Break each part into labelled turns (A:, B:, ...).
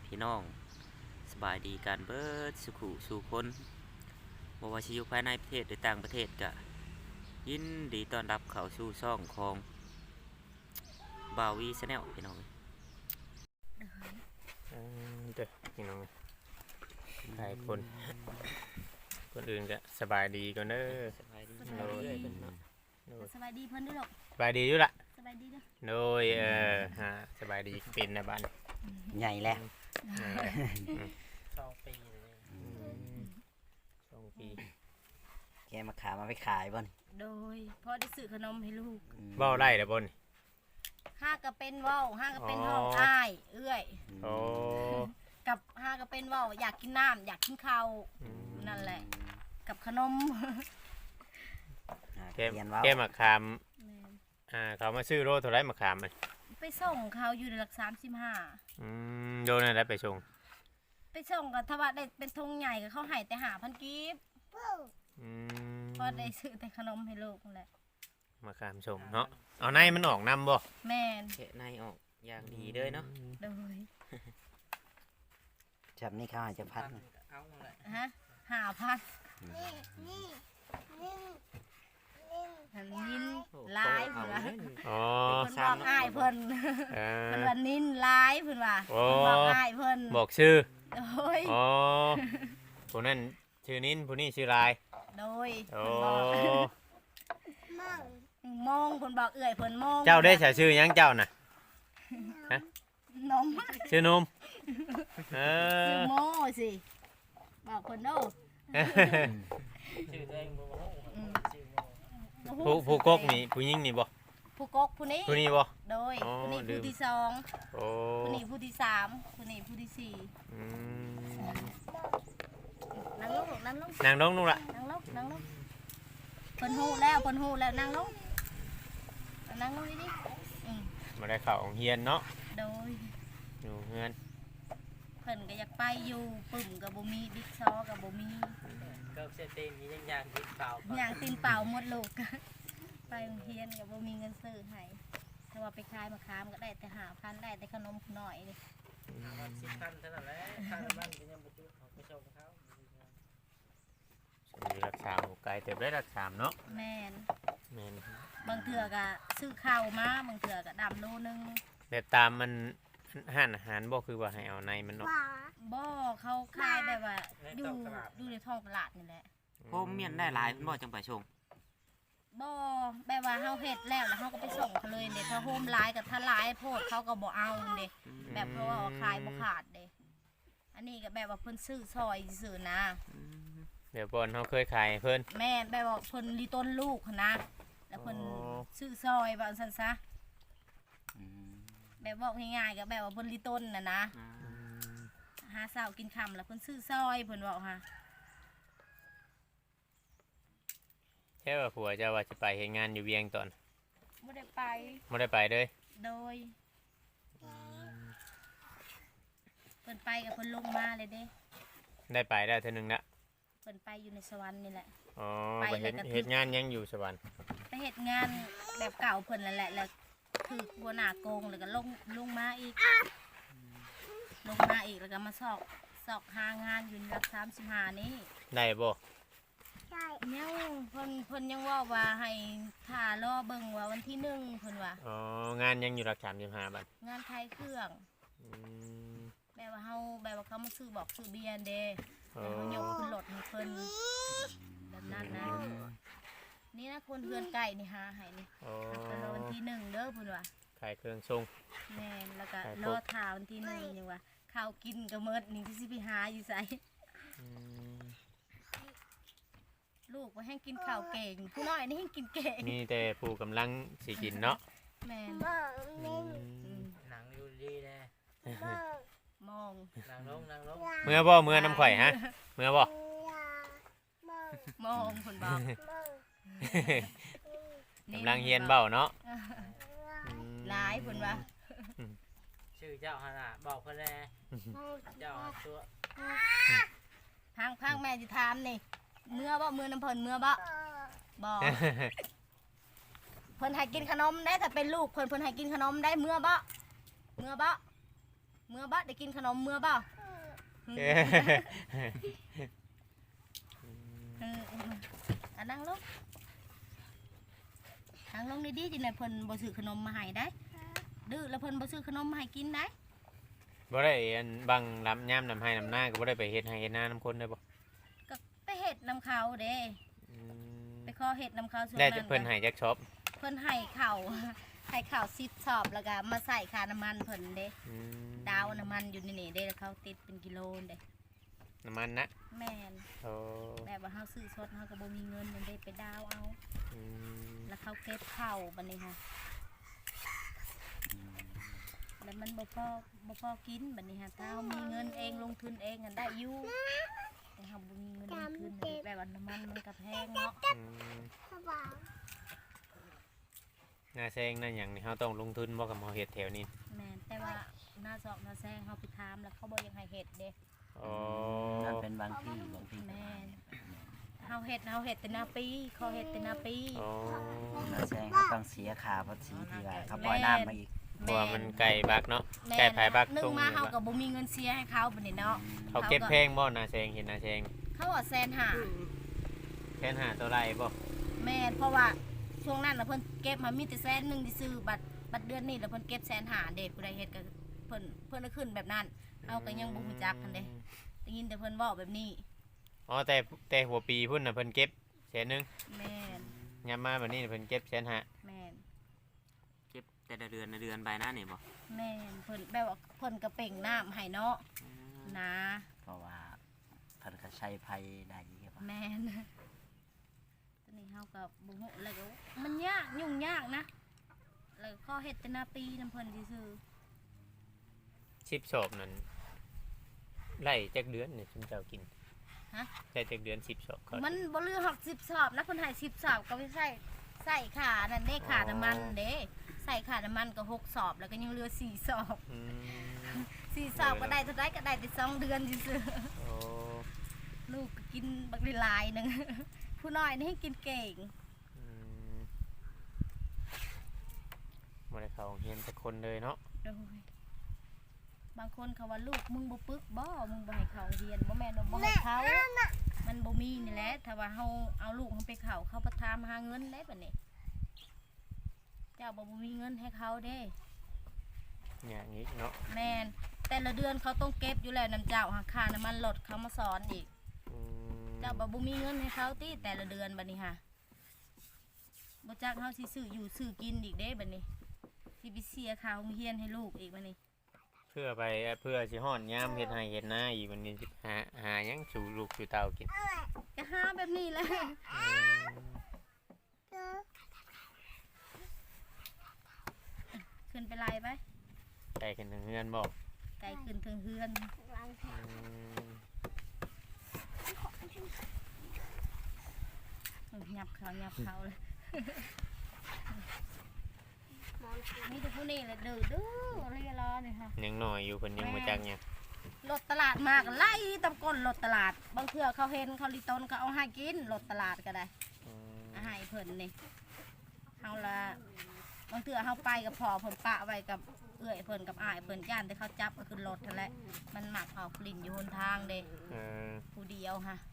A: พี่น้องสบายดีกันเบิดสุขุสู่คนบ่ว่าสิอยู่ภายในประเทศหรือต่างประเทศก็ยินดีต้อนรับเข้าสู่ช่องของบาวีชาแนลพี่น้อง
B: เด้อพี่น้องหลายคนคนอื่นก็สบายดีก่อนเด้อ
A: สบายดีเรื่อยๆเพิ่นเนาะ
C: สบายดีเพิ่นด้วยหรอก
B: สบายดีอยู่ล่ะ
C: สบายดีเด้อ
B: โดยฮะสบายดีเป็นนะบ้าน
D: ใหญ่แล้ว
A: 2 ปีเลย
B: 2 ปี
D: แกมาขายมาไปขายบ่น
C: โดยพ่อได้ซื้อขนมให้ลูก
B: เว้าได้เด้อบ่น
C: ห้าก็เป็นเว้าห้าก็เป็นห้องอ้ายเอื้อย
B: โอ้
C: กับห้าก็เป็นเว้าอยากกินน้ำอยากกินข้าวนั่นแหละ กับขนม
B: แก้
D: เรียนว่า
B: แก้มะขามเขามาซื้อโลเท่าไรมะขามมัน
C: ไปส่งเขาอยู่ในหลัก35
B: โดนอะไรไปส่ง
C: ไปส่งกับทว่าได้เป็นธงใหญ่กับเขาให้แต่5,000กีบ
B: อืม
C: พอได้ซื้อแต่ขนมให้ลูกนั่นแหละ
B: มะขามส่งเนาะเอาในมันออกนำบ่
C: แม่น
A: แกะในออกอย่างดีเลยเนาะ
C: โดย
D: จับนี่ข้าวจะพัดนะ
A: เอาแหละ
C: ฮะ5,000อันนินลายเพิ่นว่า
B: อ๋อ
C: เพิ่นบอกอ้ายเพิ่น
B: เอ
C: เพิ่น
B: อ
C: ว่านินลายเพิ่นว่า
B: โอ้
C: เพิ่นบอกอ้ายเพิ่น
B: บอกชื่อ
C: โดย
B: อ๋อผู้นั้นชื่อนิ้นผู้นี้ชื่อลาย
C: โดย
B: โอ้
C: เพิ่นบอกมองเพิ่นบอกเอื้อยเพิ่นมอง
B: เจ้าได้ใช้ชื่อหยังเจ้าน่ะ
C: นม
B: ชื่อนมเอ
C: ชื่อ
B: อ
C: โมสิบอกเพิ่นโด
A: ชื่อตัวเองบ่ฮู้
C: อืม
B: ผู้กกนี่ผู้หญิงนี่บ่
C: ผู้กกผู้นี้
B: ผู้นี้บ่
C: โดย
B: อ๋อ
C: ผู้นี้
B: ลื
C: ผู้
B: ม
C: ที่สอง
B: โอ้
C: ผู้นี้ผู้ที่สามผู้นี้ผู้ที่สี่
B: อืม
C: นั่งลงลูกนั่งลง
B: นางน้องนู่นล่ะ
C: นั่งลงนั่งลงเพิ่นฮู้แล้วนั่งลงดิอืม
B: มาได้เข้าโรงเรียนเนาะ
C: โดย
B: อยู่เฮือน
C: เพิ่นก็อยากไปอยู่ปึ่มกับบ่มีบิ๊กซอกับบ่มี
A: เกิบเสร็จตีนมีอย่างที่เปล่า
C: อย่างตีนเปล่าหมดลูก ไปโรงเรียนกับบ่มีเงินซื้อให้ถ้าว่าไปขายมะขามก็ได้แต่5,000ได้แต่ขนมหน่อยนี่
A: 10,000เท่านั้นแหละค่าน้ำมันก็ยังบ่จุดเขาไปส่งเขา
B: อยู่รักษาหมู่ไกลเติบได้รักษาเนาะ
C: แม่น
B: แม่น
C: บางเทื่อก็ซื้อข้าวมาบางเทื่อก็ดำโลนึง
B: แต่ตามมันห้านอาหารบ่คือว่าให้เอาในมันเนาะ
C: บ่เขาขายแบบว่าอยู่ในท้องตลาดนี่แหละ
A: ผมเมียนได้หลายเพิ่นบ่จังไปส่ง
C: บ่แบบว่าเฮาเฮ็ดแล้วเฮาก็ไปส่งเขาเลยเด้ถ้าโฮมหลายกับถ้าหลายโพดเขาก็บ่เอาเด้แบบเพราะว่าขายบ่ขาดเด้อันนี้ก็แบบว่าเพิ่นซื้อซอยซื่อๆนะ
B: เดี๋ยวบอนเฮาเคยขายให้เพิ่น
C: แม่นแบบว่าเพิ่นรีต้นลูกหั้นนะแล้วเพิ่น
B: อ๋อ
C: ซื้อซอยว่าซั่นซะ
D: อืม
C: แบบบอกง่ายๆก็แบบว่าเพิ่นรีต้นน่ะนะหาเช้ากินค่ำแล้วเพิ่นซื้อซอยเพิ่นบอกฮะ
B: แค่ว่าผัวเจะว่าสิไปเฮ็ดงานอยู่เวียงตอน
C: บ่ได้ไป
B: บ่ได้ไปเลย
C: โดยเพิ่นไปกับเพิ่นลงมาเลยเด้
B: ได้ไปได้เทื่อนึงละ
C: เพิ่นไปอยู่ในสวรรค์นี่แหละ
B: อ๋อ
C: ไป
B: ไป
C: แล้วก็
B: เฮ็ดงานยังอยู่สวรรค์
C: ไปเฮ็ดงานแบบเก่าเพิ่นนั่นแหละแล้วคือหัวหน้าโกงแล้วก็ลงมาอีกแล้วก็มาสอกหางานอยู่ในหลัก35นี้
B: ได้บ่
C: ยังเพิ่นยังว่าให้ท่ารอเบิ่งว่าวันที่1เพิ่นว่า
B: อ๋องานยังอยู่รัก35บาท
C: งานขายเครื่อง
B: อืม
C: แบบว่าเขามาซื้อบอกซื้อเบียร์เด้
B: อ๋อ
C: แล้วเขายกขึ้นรถให้เพิ่นแบบนั้นนะนี่นะคนเฮือนไก่นี่หาให้นี่
B: อ๋อ
C: แต่รอวันที่1เด้อเพิ่นว่า
B: ขายเครื่องทรง
C: แม่นแล้วก็
B: ขาย
C: ร
B: คร
C: อบ ท่าวันที่1นี่ว่าข้าวกินก็หมดนี่ที่สิไปหาอยู่ไส
B: อืม
C: ลูกว่าให้กินข้าวเก่งผู้น้อยนี่ให้กินเก่ง
B: มีแต่ผู้กำลังสิกินเนาะ
C: แม่น
B: อืม
A: หนังอยู่ดีแน่
C: มอง
A: นางลง
B: เมื่อบ่เมื่อน้ำข่อยฮะเมื่อบ่
C: มองเพิ่นบอก
B: กำลังเฮียนเบ้าเนาะ
C: หลายเพิ่นว่า
A: ชื่อเจ้าหั่นน่ะบอกเพิ่นแน่เจ้าตัว
C: พังแม่สิถามนี่เมื่อบ่มื้อน้ำเพิ่นเมื่อบ่บ่ เพิ่นให้กินขนมได้ถ้าเป็นลูกเพิ่นให้กินขนมได้เมื่อบ่เมื่อบ่ได้กินขนมเมื่อบ่
B: เอ้ย
C: นั่งลงนั่งลงดีๆที่ไหนเพิ่นบ่ซื้อขนมมาให้ได้ดื้อแล้วเพิ่นบ่ซื้อขนมมาให้กินได้
B: บ่ได้อันบังลำย่ำลำให้ลำหน้าก็บ่ได้ไปเฮ็ดให้เฮ็ดหน้าน้ำคนได้บ่
C: ก็ไปเฮ็ดนํเขาเด้
B: อืม
C: ไปขอเฮ็ดนํเขาส่วน
B: ได้
C: นั้น
B: เพิ่นให้จักช็อป
C: เพิ่นให้ข้าว ให้ข้าว10 ชอบแล้วก็มาใส่ค่าน้ำมันเพิ่นเด้
B: อืม
C: ดาวน้ำมันอยู่นี่เด้แล้วเขาติดเป็นกิโลเด้
B: น้ำมันนะ
C: แม่น
B: โอ้
C: แบบว่าเฮาซื้อสดเฮาก็บ่มีเงินนั่นเด้ไปดาวเอา
B: อืม
C: แล้วเขาเก็บเข้าบัดนี้ค่ะแล้วมันบ่พอกินบัดนี้ค่ะถ้าเฮามีเงินเองลงทุนเองกันได้อยู่แต่เฮาบ่มีเงินลงทุนน่ะแบบว่าน้ำมันมันก็แพงเนาะ
B: อืมหน้าแซงนั่นหยังนี่เฮาต้องลงทุนบ่กับเฮาเฮ็ดแถวนี้
C: แม่นแต่ว่าหน้าซอกหน้าแซงเฮาไปถามแล้วเขาบ่อยังให้เฮ็ดเด้
B: อ๋อ
D: นั่นเป็นบางที่บางที่
C: แม่นเฮาเฮ็ดแต่หน้าปีเขาเฮ็ดแต่หน้าปี
B: อ๋อ
D: นาแซงเขาต้องเสียค่าภาษีที่ว่าเขาปล่อยน้ำมาอีก
B: เพราะว่ามันไก่บักเนาะ
C: แม่น
B: ไก่ภายบัก
C: นึ
B: ตรง ง
C: มา
B: นี้
C: เฮา
B: บัก
C: ก็บ่มีเงินเสียให้เขาบัดนี้เนาะ
B: เขาเก็บแพงบ่หน้าแซงเห็นหน้าแซง
C: เขาว่าแสนหา
B: แค่หาตัวไรบ่
C: แม่นเพราะว่าช่วงนั้นน่ะเพิ่นเก็บมามีแต่แสนหนึงที่ซื้อบัตรเดือนนี้แล้วเพิ่นเก็บแสนหาเด้ผู้ใดเฮ็ดก็เพิ่นก็ขึ้นแบบนั้นเฮาก็ยังบ่ฮู้จักกันเด้ได้ยินแต่เพิ่นเว้าแบบนี้
B: อ๋อแต่หัวปีพุ่นน่ะเพิ่นเก็บแสนหนึง
C: แม่น
B: ยามมาบัดนี้เพิ่นเก็บแสนห้า
C: แม่น
A: เก็บแต่ละเดือนใบหน้านี่บ่
C: แม่นเพิ่นแบบว่าเพิ่นก็เป่งน้ำให้เนาะนะ
D: เพราะว่าเพิ่นก็ใช้ไผได้เยอะ
C: แม่นตอนนี้เฮาก็บ่ฮู้แล้วก็มันยากยุ่งยากนะแล้วก็ขอเฮ็ดแต่หน้าปีนํเพิ่นซื่อ
B: 10ศอกนั่นไล่จักเดือนนี่ซุมเจ้ากิน
C: ฮะ
B: ได้จักเดือน10ศอกเขา
C: มันบ่เหลือ60 สอบนะเพิ่นให้10 สอบก็ไปใส่ขานั่นเด้ขาน้ำมันเด้ใส่ขาน้ำมันก็6 สอบแล้วก็ยังเหลือ4 สอบ
B: อืม
C: 4 สอบก็ได้เท่าใดก็ได้แต่2 เดือนซื่อ
B: โอ้
C: ๆลูกก็กินบักหลายๆหนึง ผู้น้อยนี่ให้กินเก่ง
B: อืมบ่ได้เข้าโรงเรียนแต่คนเลยเนาะ
C: โดยบางคนเขาว่าลูกมึงบ่ปึกบ่มึงบ่ให้เขาเรียนบ่แม่นว่าบ่ให้เขา มันบ่มีนี่แหละถ้าว่าเฮาเอาลูกเฮาไปเขาประทามหาเงินได้บัดนี้เจ้าบ่มีเงินให้เขาเด้
B: อย่างนี้เนาะ
C: แม่นแต่ละเดือนเขาต้องเก็บอยู่แล้วน้ำเจ้าหาค่าน้ำมันรถเขามาสอนอีก
B: อืม
C: เจ้าบ่มีเงินให้เขาติแต่ละเดือนบัดนี้ค่ะบ่จักเฮาสิซื้ออยู่ซื้อกินอีกเด้บัดนี้สิไปเสียค่าโรงเรียนให้ลูกอีกบัดนี้
B: เพื่อสิฮ้อนยามเฮ็ดให้เฮ็ดนาอีกวันนี้สิหาหยังสู่ลูกสู่เต้ากิน
C: ก็หาแบบนี้แหละ ขึ้นไปไล่ไป
B: ไก่กันถึงเฮือนบ่
C: ไกลขึ้นถึงเฮือน หยับเขาเลย นี่แต่ผู้นี้แหละดื้อเรียรอนี่ค่ะ
B: ยังน้อยอยู่เพิ่นยังบ่จักหยัง
C: รถตลาดมากไล่ตำก้นรถตลาดบางเทื่อเขาเห็นเขาลิตนเขาเอาให้กินรถตลาดก็ได้
B: อืม
C: เอาให้เพิ่นนี่เฮาละบางเทื่อเฮาไปกับพ่อเพิ่นปะไว้กับเอื้อยเพิ่นกับอ้ายเพิ่นย่านแต่เขาจับก็ขึ้นรถนั่นแหละมันหมักออกกลิ่นอยู่หนทางเด้
B: เออ
C: ผู้เดียวค่ะ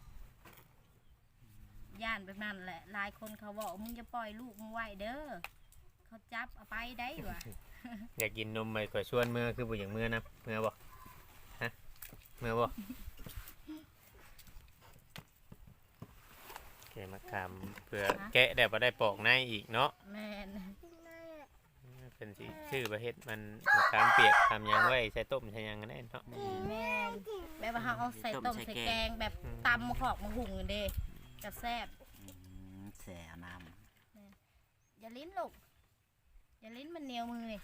C: ย่านแบบนั้นแหละหลายคนเขาบอกมึงจะปล่อยลูกมึงไว้เด้อเขาจับเอาไปได้วะ
B: อยากกินนมไปกว่าชวนเมื่อคือบ่อย่างเมื่อนะเมื่อบ่ฮะเมื่อบ่แกะมะขามเพื่อแกะได้บ่ได้ปอกในอีกเนาะ
C: แม่น
B: เป็นสิชื่อประเทศมันมะขามเปียกทำหยังไว้ใส่ต้มใส่หยังกันได้เนาะ
C: แม่นแบบว่าเขาเอาใส่ต้มใส่แกงแบบตำมะขอกมะหุ่งกันเด้จะแซ่บ
D: แส่เอาน้
C: อย่าลิ้นลูกอย่าลิ้นมันเหนียวมือนี่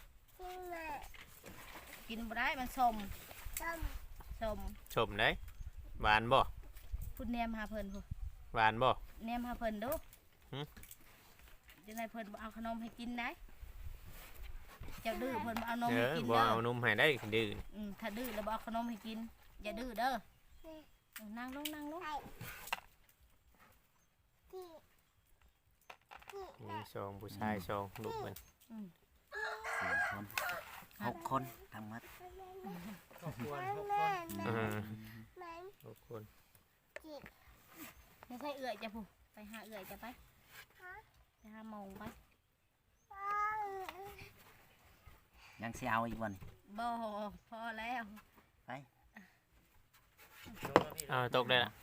C: กินบ่ได้มันสม
B: ชมได้หวานบ่
C: พูดแนมหาเพิ่นพูด
B: หวานบ่
C: แนมหาเพิ่นดู
B: หึ
C: จะไหนเพิ่นบ่เอาขนมให้กินได้เจ้าดื้อเพิ่นบ่เอานม
B: เอ
C: ให้
B: อ
C: กิน
B: บ่
C: เด้อ
B: เอานมให้ได้ดื้อ
C: ถ้าดื้อแล้วบ่เอาขนมให้กินอย่าดื้อเด้อนั่งลง
B: มีสองผู้ชายสองลูกมัน
D: ำ4 คน 6 คนทั้งหมด
E: ครอบครัว6 คน
B: 6 คน
C: ไม่ใช่เอื่อยจะผู้ไปหาเอื่อยจะไปหาโมงไป
D: ยังสิเอาอีกบ่นี่
C: บ่พอแล้ว
D: ไป
B: เอาตกได้ละ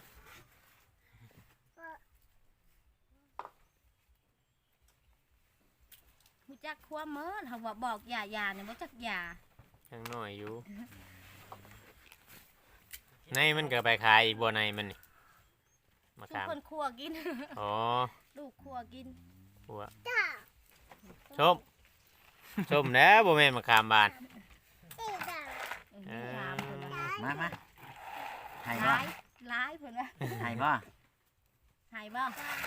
C: รู้จักความเมินเขาว่าบอกอย่าเนี่ยบ่จักอย่า
B: ยังน้อยอยู่ในมันก็ไปขายอีกบ่ในมันนี่มะ
C: ทุก
B: ขาม
C: คนคั่วกิน
B: อ๋อ
C: ลูกคั่วกิน
B: หัวชมชมแล้วบ่แม่นมะขามบาน
C: ถามเพิ่นว่า
D: มาให้
C: ห
D: บ่
C: ลายหลายเพิ่นว่า
D: ให้บ่
C: หายบ่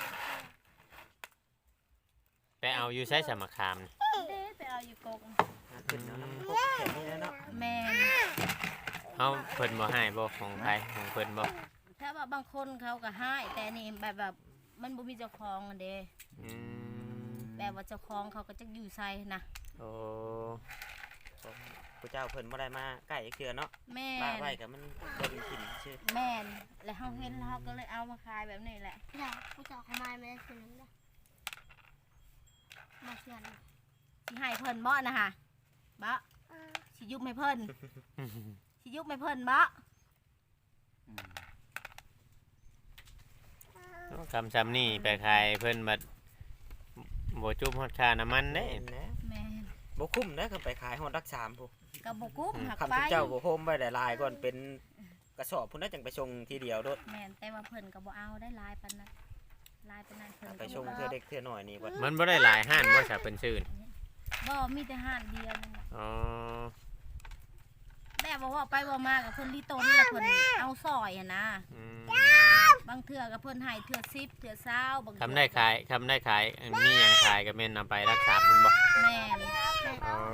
B: ไปเอาอยู่ใช้สมะขามนี่
C: เด้ไปเอาอยู่กก
A: ขึ้นเอาน้ำพกแข็งนี่แล้วเนาะ
C: แม่น
B: เฮาเพิ่นบ่ให้บ่ของไผของเพิ่นบ่
C: ถ้าว่าบางคนเขาก็ให้แต่นี่แบบมันบ่มีเจ้าของอะเด้
B: อืม
C: แบบว่าเจ้าของเขาก็จักอยู่ไสนะ
B: โอ้
A: พระเจ้าเพิ่นบ่ได้มาใกล้เกลือเนาะ
C: แม่
A: บ้าน ไว้กับมันบ่เป็นถิ่นชื่อ
C: แม่นแล้วเฮาเห็นแล้วเขาก็เลยเอามาขายแบบนี้แหละ
F: อย่าผู้เจาะเขามาไม่ได้คืนนึงนะมาเชื่อน
C: สิให้เพิ่นบ่นะฮะบ่สิยุบให้เพิ่นสิยุบให้เพิ่นบ่
B: คำซ้ำนี่ไปขายเพิ่นบัดบ่จุบฮอดค่าน้ำมันเด้
A: เห็นนะ
C: แม่น
A: บ่คุ้มนะคันไปขายฮอดรัก3พุ่น
C: ก็บ่กุ้มหัก
A: คำ
C: ไป
A: ที่เจ้าบ่โฮมไว้หลายๆก่อนเป็นกระสอบพุ่นน่ะจังไปส่งทีเดียวโดด
C: แม่นแต่ว่าเพิ่นก็บ่เอาได้หลายปานนั้นหลายปานนั้นเพิ่น
A: ไป
C: ก็
A: ส่ง
C: บ่
A: เทื่อเด็กเทื่อน้อยนี่บ่
B: มันบ่ได้หลายห้านบ่ซะเพิ่นซื้อนี่
C: บ่มีแต่ห้านเดียวนั่นแหละ
B: อ๋อ
C: แต่ว่าไปว่ามากับเพิ่นลีต้นแล้วเพิ่นเอาซอยอะนะ
B: อืม
C: บางเทื่อก็เพิ่นให้เทื่อ10เทื่อ20บางเทื่อ
B: คำได้ขายมีหยังขายก็แม่นนำไปรักษาเพิ่นบ่
C: แม่น
B: อ๋อ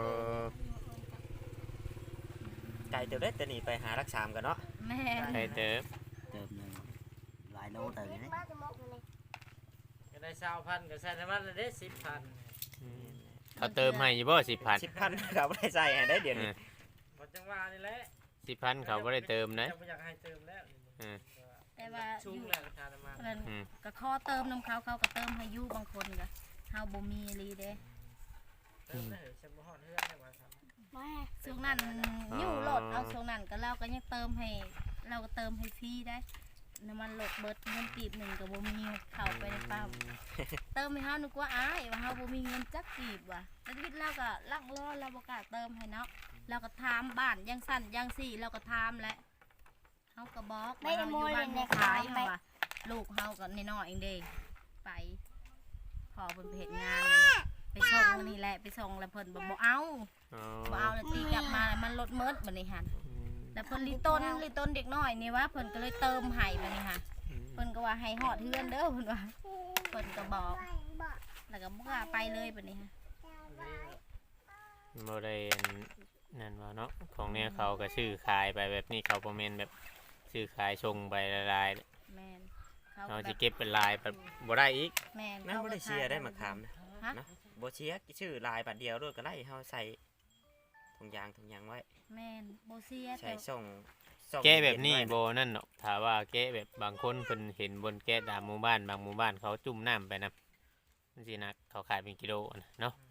A: ไกลเติบได้แต่นี่ไปหารัก3กันเนาะ
C: แม่น
B: ไปเติบ
D: เติมหนึงหลายโลเติมเลย
F: บ้านจะมองเลย
E: ก็ได้20,000ก็ใส่น้ำมันละเด้10,000
B: อืมเขาเติมให้อยู่บ่10,000
A: 10,000ก็บ่ได้ใส่ให้ได้เดี๋ยวนี้
E: บ่จังว่านี่แหละ
B: 10,000เขาบ่ได้เติมนะ
E: จะบ่อยากให้เติมแล้ว
C: แต่ว่า
E: สู
C: อง ยู่
E: แล้วราคาน้ำมัน
C: เพิ่น
B: อืม
C: ก็ขอเติมน้ำเขาเขาก็เติมให้อยู่บางคนก็เฮาบ่มีอีหลีเด้
E: เติมได้ฉันบ่ฮอดเฮือนได้ว่าครับ
F: มา
C: ช่วงนั้นอยู่รถเอาช่วงนั้นก็เราก็ยังเติมให้เราก็เติมให้ฟรีได้น้ำมันรถเบิดเงินกีบหนึ่งก็บ่มีเข้าไปในปั๊มเติมให้เฮานึกว่าอ้ายว่าเฮาบ่มีเงินจักกีบว่ะแต่ชีวิตเราก็ลักล้อเราบ่กล้าเติมให้เนาะเราก็ถามบ้านยังสั่นยังสี่เราก็ถามแหละเฮาก็บอกว่าเฮาอยู่บ้านบ่ขายเฮาว่าลูกเฮาก็น้อยๆเองเด้ไปพอเพิ่นไปเฮ็ดงานนั่นแหละไปส่งนี่แหละไปส่งแล้วเพิ่นบ่เอา
B: อ๋อ
C: บ่เอาแล้วตีกลับมาแล้วมันลดเมิดบัดนี้หั่นแล้วเพิ่นลิต้นเด็กน้อยนี่ว่าเพิ่นก็เลยเติมให้บัดนี้ค่ะเพิ่นก็ว่าให้ฮอดเฮือนเด้อเพิ่นว่าเพิ่นก็บอกแล้วก็บ่กล้าไปเลยบัดนี้ค่ะ
B: บ่ได้นั่นว่าเนาะของเนี่ยเขาก็ซื้อขายไปแบบนี้เขาบ่แม่นแบบซื้อขายส่งไปหลาย
C: แม่น
B: ๆ
C: เขา
B: เขา
C: ก็
B: สิเก็บเป็นลายแบบบ่ได้อีก
C: แม่น
A: นั่นบ่ได้เชียร์ได้มาขามนะ
C: ฮะ
A: เนาะบ่เชียร์ชื่อลายบาทเดียวโดดก็ไล่เฮาใส่ถุงยางไว้
C: แม่นบ่เสีย
A: ใส่
C: แต่
A: ส่ง
B: แก้แบบนี้บ่นั่นเนาะถ้าว่าแก้แบบบางคนเพิ่นเห็นบนแก้ตามหมู่บ้านบางหมู่บ้านเขาจุ่มน้ำไปนํจังซี่นะเขาขายเป็นกิโลนะเนาะ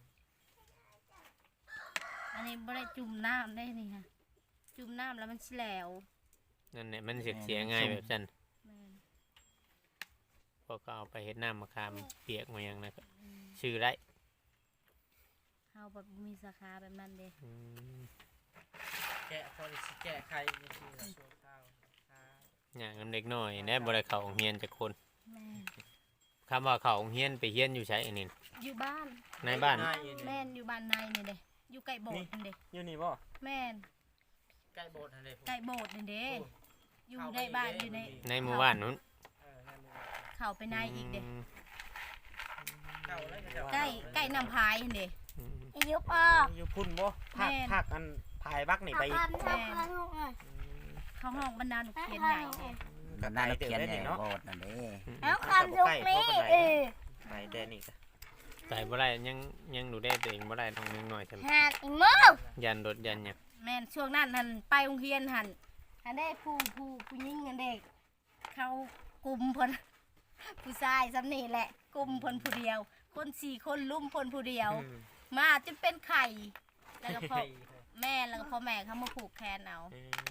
C: อันนี้บ่ได้จุ่มน้ำได้นี่ค่ะจุ่มน้ำแล้วมันสิแหลว
B: นั่นแหละมันเสียง่ายแบบนั้น
C: แม่น
B: พอก็เอาไปเฮ็ดน้ำมะขามเปียกมาหยังนะก็ชื่อได้
C: เฮาแบบบ่มีสาขาแบบนั้นเด้
B: อืม
E: แกะพอสิแกะไข่นี่สิละชั่วคราว
B: อย่างน้ำเด็กน้อยแน่บ่ได้เข้าโรงเรียนจักคน
C: แม่น
B: คำว่าเข้าโรงเรียนไปเรียนอยู่ไสอันนี้
C: อยู่บ้าน
B: ในบ้าน
C: แม่นอยู่บ้านในนี่เด้อยู่ใกล้โบสถ์นี่เด้
A: อยู่นี่บ่
C: แม่น
E: ใกล้โบสถ์นั่นเด้
C: ใกล้โบสถ์นี่เด้อยู่ในบ้านอยู่ใน
B: ในหมู่บ้านนู้น
E: นั่นเลย
C: เข้าไปในอีกเด้
B: ม
E: เก่าแล้วก็จะ
C: ใกล้น้ำพายนี่เด้
B: อืม
F: อายุออก
A: อยู่พุ่นบ่ภาค
C: แม่น
A: ภาคอันพายบักนี่ไปอีก
F: ทำลูกอ่ะ
C: เข้าห้องบรรดาหนูเขียนใหญ่เด้
D: ก็ได้เขียน
A: ได้
D: ใหญ่
A: เนาะ
D: โบสถ์นั่นเด้
F: แล้วคำลูกนี้
A: ไปแต่นี่ก็
D: แ
B: ไปบ่ได้ยังดูได้ตัวเองบ่ได้ต้องนึงหน่อยใช่ไหม
F: หักอีโม่
B: ยันรถยันหยัง
C: แม่นช่วงนั้นหันไปโรงเรียนหันได้ผู้หญิงอันเด็กเขากลุ่มเพิ่น ผู้ชายสำนี่แหละกลุ่มเพิ่นผู้เดียว คน4 คนลุ่มเพิ่นผู้เดียว มาจนเป็นไข่แล้วก็พ่อแม่แล้วก็พ่อแม่เขามาผูกแขนเอา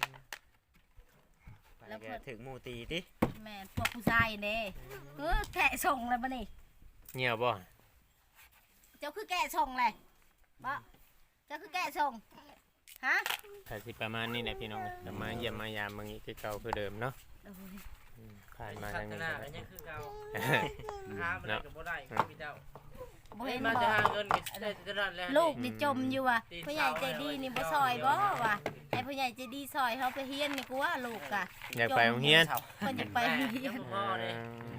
A: แล้วก็ถึงหมู่ตีติ
C: แม่นพวกผู้ชายเด้แกะส่งเลยบ่นี่
B: เงียบบ่
C: เจ้าคือแกะส่งเลยบ่เจ้าคือแกะส่งฮะ
B: ถ้าสิประมาณนี้แหละพี่น้องจะมาเยี่ยมมายามบางนี้คือเก่าคือเดิมเนาะ
C: โอ้ย
B: ผ่านมา
E: พั
B: ทาง
E: ฒ
B: นี้
E: นา
B: ก็
E: กัน
B: ได้
E: ยังคือเก่าหามันก็บ่ได้คือพี่เจ้า
C: บ่เห็น
E: มา
C: บ่
E: จะหาเงินก็ได้แต่นั้นแหละ
C: ลูกนี่จมอยู่ว่ะผู้ใหญ่ใจดีนี่บ่ซอยบ่ว่ะไอ้ผู้ใหญ่ใจดีซอยเขาไปเฮียนนี่กูว่าลูกอ่ะ
B: อยากไปโรงเรียน
C: เพิ่นอยากไปโรงเรียน
E: พ่อเลย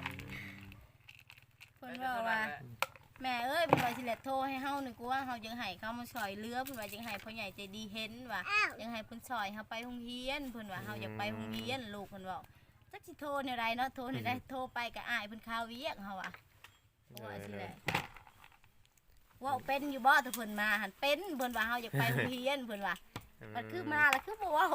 C: เพิ่นว่าว่าแม่เอ้ยเพิ่นว่าสิแลโทรให้เฮานี่กูว่าเฮาจังให้เขามาซอยเรือเพิ่นว่าจังให้ผู้ใหญ่ใจดีเห็นว่าจังให้เพิ่นซอยเฮาไปโรงเรียนเพิ่นว่าเฮาอยากไปโรงเรียนลูกเพิ่นเว้าจักสิโทรแนวใดเนาะโทรแนวใดโทรไปก็อายเพิ่นข่าวเวียกเฮาอ่ะว่าสิแหละว่าเป็นอยู่บ่ถ้าเพิ่นมาหันเป็นเพิ่นว่าเฮาอยากไปโรงเรียนเพิ่นว่ามันคือมาแล้วคือบ่เว้า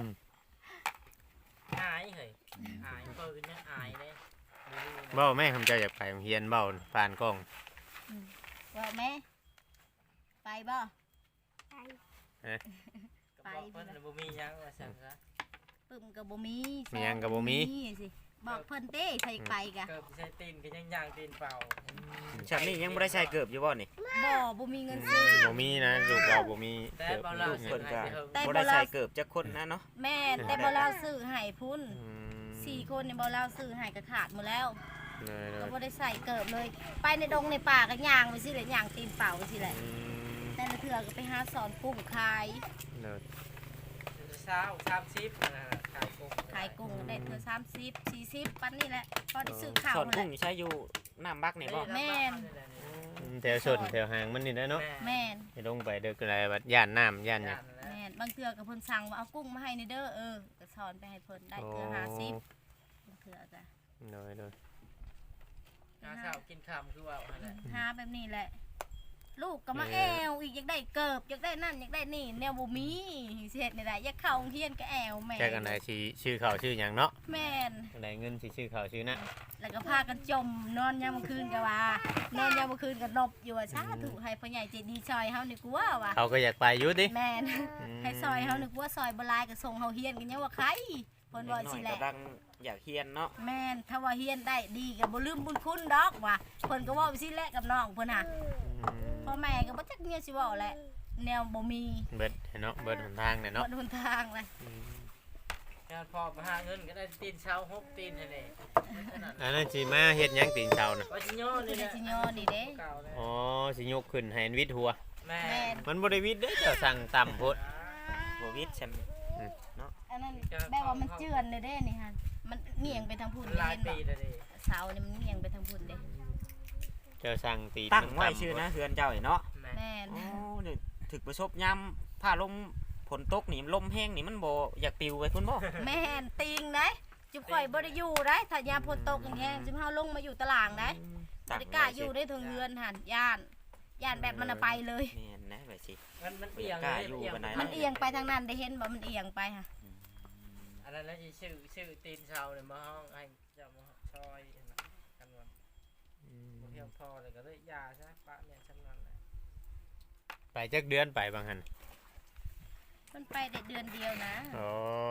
E: อายเฮ้ยอายเปิดเนี่ยอายเลย
B: เบ้าแม่คำเจ้าอยากไปโรงเรียนเบ้าผ่านกล้อง
C: ว่าแม่ไปบ่
F: ไป
E: ไปเพิ่นบ่มียังว่าซั่นซะ
C: ปึ้มก็บ่มี
B: มีหยังก็บ่มี
C: สิบอกเพิ่นเต้ใส่ไปกะ
E: เกิดใช้ตีนก็ยังย่างตีนเปล่า
A: ฉันนี่ยังบ่ได้ใช้เกือบอยู่บ่นี่
C: บ่มีเงินซื้อ
B: บ่มีนะลูกเราบ่มี
E: แต่
B: เกือบ
E: เบา
B: ลู
E: ล่าก
B: เงิ
A: เพิ่
B: น
A: นก็
C: แต่
A: บ่
C: บ่
A: ได้
C: ลา
A: ใช้เกือบจักคนนะเนาะ
C: แม่นแต่บ่ลาวซื้อให้พุ่น
B: อืม
C: 4 คนนี่บ่ลาวซื้อให้ก็ขาดหมดแล้ว
B: เลย
C: ก็บ่ได้ใส่เกิบเลย ไปในดงในป่าก็ย่างไปสิแหละย่างตีนเปล่าไปสิแหละ
B: อืม
C: แต่ละเทื่อก็ไปหาสอนกุ้งขาย
B: เลย
E: เช้า30นะขายกุ้ง
C: ขายกุ้งก็ได้เทื่อ30 40ปันนี่แหละพอได้ซื้อข้าว
A: สอน
C: นั่น
A: กุ้ง
C: แหละ
A: ใช้อยู่น้ำบักนี่บ่
C: แม่น
B: แถวชนแถวหางมันนี่นะเนาะ
C: แม่น
B: ให้ลงไปเด้อคืออะไรบัดย่านน้ำย่านหยัง
C: แม่นบางเทื่อก็เพิ่นสั่งว่าเอากุ้งมาให้ในเด้อก็สอนไปให้เพิ่นได้เทื่อ50บางเทื่อก็
B: เลยเลย
E: หาข้าวกินค่ำคือว่าหั่นแหละ
C: หาแบบนี้แหละ ลูกก็มาแอวอีกอยากได้เกิบอยากได้นั่นอยากได้นี่แนวบ่มีสิเฮ็ดได้อยากเข้าโรงเรียนก็แอวแม่
B: แค่กันได้ชื่อเขาชื่อหยังเนาะ
C: แม่น
B: ได้เงินสิชื่อเขาชื่อนะ
C: แล้วก็พากันจมนอนยามมื้อคืนก็ว่านอนยามมื้อคืนก็นบอยู่ว่าสาธุให้พ่อใหญ่ใจดีซอยเฮานี่กูว่าว่ะ
B: เขาก็อยากไปอยู่ดิ
C: แม่นให้ซอยเฮานี่กูว่าซอยบ่หลายก็ส่งเฮาเฮียนกันยังว่าใครเพิ่นว่า
A: น้อ
C: สิ
A: ย
C: แห
A: ก็
C: ละ
A: ดังอยากเฮียนเนาะ
C: แม่นถ้าว่าเฮียนได้ดีก็บ่ลืมบุญคุณดอกว่ะเพิ่นก็เว้าไปสิแหละกับน้องเพิ่นน่ะ พ่อแม่ก็บ่จักเมียสิเว้าแหละแนวบ่มี
B: เบิดเนาะเบิดหนทางเนี่ย
C: เนาะ
B: เนาะ
C: หนทางเลย
E: งานพอมาหาเงินก็ได้ตีนเช้า6ตีนให้นี่นั่น
B: อันนั้นสิมาเฮ็ดหยังตีนเช้าน่ะ
E: ว่าสิโยนี่
C: คือ
E: แห
C: ได้
E: ละ
C: สิยอนี่เด้
E: เก่าเลย
B: อ๋อสิยกขึ้นให้วิทย์หัว
E: แม่
C: แม่น
B: มันบ่ได้วิทย์เด้อเจ้าสั่งต่ำโพด
A: บ่วิทย์ฉัน
C: อันนั้นแบบว่ามันเจือนเลยเด้นี่ฮะมันเงียงไปทางพุ่น
E: หลาย
C: เห็น
E: ปี
C: บ่
E: แล้วดิ
C: เสานี่มันเงียงไปทางพุ่นเด้
B: เจ้าสั่งตีน
A: ตั้งไว้
B: ต่ำ
A: ชื่อนะเฮือนเจ้านี่เนาะ
E: แม่
C: แม่น
A: โอ้นี่ถึกประสบยามผ้าลมฝนตกนี่ลมแห้งนี่มันบ่อยากปิวไปพุ่นบ่
C: แม่นติงได้จุบข่อยบ่ได้อยู่ได้ถ้ายามฝนตกอย่างแฮงสิเฮาลงมาอยู่ตารางได้บ่ได้กล้าอยู่ได้ถึงเฮือนหั่นย่านแบบมันน่ะไปเลย
A: แม่นนะไว้สิ
E: มันเอียง
A: กล้าอยู่บันได
C: มันเอียงไปทางนั้นได้เห็นบ่มันเอียงไปค่ะ
E: อันนั้นแล้วชื่อตีนเช้าเนี่ยมาห้องให้เจ้ามาซอยกันว่าบ่เพียงพอเลยก็เลยยาซะปะเนี่ยฉันนั่นแหละ
B: ไปจักเดือนไปบางหัน
C: มันไปได้เดือนเดียวนะ
B: อ๋อ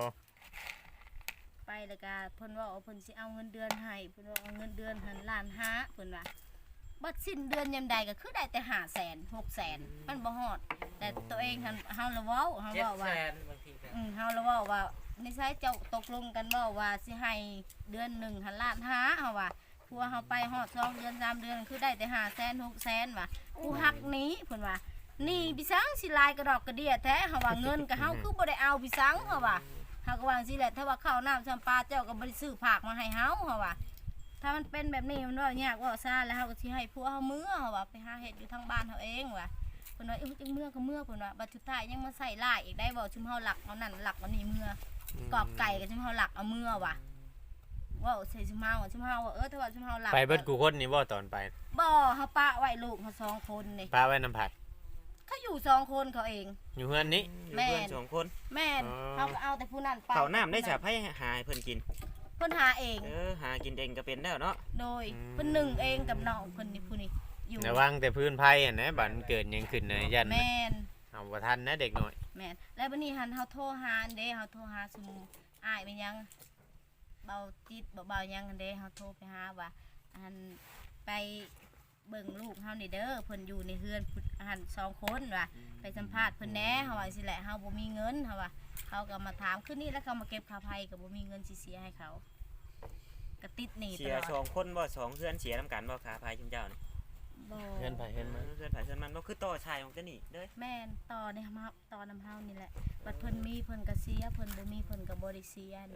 C: ไปแล้วก็เพิ่นว่าเพิ่นสิเอาเงินเดือนให้เพิ่นว่าเอาเงินเดือนหันล้านห้าเพิ่นว่าบัดสิ้นเดือนยามใดก็คือได้แต่500,000 600,000มันบ่ฮอดแต่ตัวเองหันเฮาละเว้าเฮา
E: 700,000
C: เว้าว่า
E: บางทีก็
C: เฮาละเว้าว่าในไสเจ้าตกลงกันเว้าว่าสิให้เดือนหนึ่งหันล้านห้าเฮาว่าพัวเฮาไปฮอด2เดือน3เดือนคือได้แต่500,000 600,000ว่ะกูหักหนี้เพิ่นว่านี่พี่สังสิลายกระดอกกระเดียแท้เฮาว่าเงินก็เฮาคือบ่ได้เอาพี่สังเฮาว่า เฮาก็ว่าจังซี่แหละถ้าว่าข้าวน้ำจำปาเจ้าก็บ่ได้ซื้อผักมาให้เฮาเฮาว่าถ้ามันเป็นแบบนี้มันว่ายากว่าซ่าแล้วเฮาก็สิให้ผัวเฮามื้อเฮาว่าไปหาเฮ็ดอยู่ทางบ้านเฮาเองว่ะเพิ่นว่าจังมื้อก็มื้อเพิ่นว่าบัดสุดท้ายยังมาใส่ลายอีกได้บ่ชุมเฮาหลักเอานั่นหลักเอานี่มื้อกอกไก่ก็ชุมเฮาหลักเอามื้อว่ะว่าใส่ชุมเฮาชุมเฮาว่าถ้าว่าชุมเฮาหลับ
B: ไปเบิดกูคนนี่บ่ตอนไป
C: บ่เฮาปะไว้ลูกเฮาสองคนนี่
B: พาไว้น้ำผัก
C: เขาอยู่สองคนเขาเอง
B: อยู่เฮือนนี้
A: อยู่
C: แม่
A: เพื่อนสองคน
C: แม่น
B: อ๋อ
C: เขาก็เอาแต่ผู้นั้นไป
A: เขาน้ำได้จะให้หาให้เพิ่นกิน
C: เพิ่นหาเอง
A: หากินเองก็เป็นแล้วเนาะ
C: โดยเพิ่นหนึ่งเองกับน้องเพิ่นนี่ผู้นี้อยู่
B: ระวังแต่พื้นไผ่อะนะบัดมันเกิดหยังขึ้นนะยัน
C: แม่น
B: เอาบ่ทันนะเด็กน้อย
C: แม่นแล้วบัดนี้หันเฮาโทรหาอันเด้เฮาโทรหาซุมอ้ายไปยังเบาจิตเบายังอันเด้เฮาโทรไปหาว่าอันไปเบิ่งลูกเฮานี่เด้อเพิ่นอยู่ในเฮือนหันสองคนว่ะไปสัมภาษณ์เพิ่นแหน่เฮาว่าสิแหละเฮาบ่มีเงินเฮาว่าเขาก็มาถามคืนนี้แล้วเขามาเก็บค่าไผก็บ่มีเงินสิเสียให้เขาก็ติดหนี้ต
A: เสีย
C: ลอด
A: สองคนบ่สองเพื่อนเสียน้ำกันบ่ขาพายชุมเจ้านี่
C: บ่
B: เฮือนไผ่เฮือนมัน
A: เพื่อนไผเพื่อนมันบ่คือต่อชายของเจ้านี่เด้อ
C: แม่นต่อในมาต่อนำเฮานี่แหละบัดเพิ่นมีเพิ่นก็เสียเพิ่นบ่มีเพิ่นก็บ่ได้เสียเด้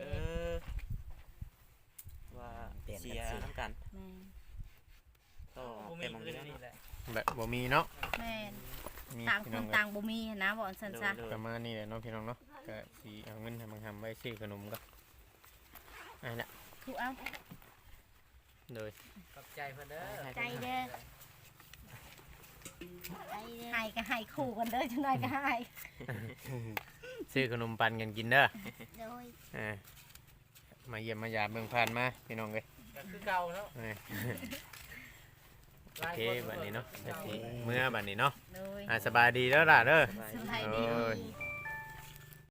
A: ว่าเสียน้ำกัน
C: แม่น
A: ต่อ
E: บ่
A: แต่
E: มี
A: มอง
E: เงิน
A: เนี้ย
E: นี่แหละ
B: แบบบ่มีเนาะ
C: แม่น
B: มี
C: ต่าง
B: พี่
C: ค
B: น้อน ง
C: ต่างบ่มีหั้นนะบ่อันซั่นซะ
B: ประมาณนี้แหละเนาะพี่น้องเนาะก็สิเอาเงินให้มันทำไว้ซื้อขนมก็อันละ
C: ถูกเอา
B: โดย
E: ขอบใจเพิ่นเด้อ
F: ใจเด้อใจเด้อ
C: ให้ก็ให้คู่กันเด้อจังได๋ก็ให้
B: ซื้อขนมปันกันกินเด้อ
F: โดย
B: อ่ามาเยี่ยมมายามเมืองผ่านมาพี่น้องเอ้ย
E: ก็คือเก่าเนาะ
B: โอเคบัดนี้เนาะก็สิเมื่อบัดนี้เนาะ
C: โดย
B: สบายดีแล้วล่ะเด้อ
C: สบายดี
B: โอ้ย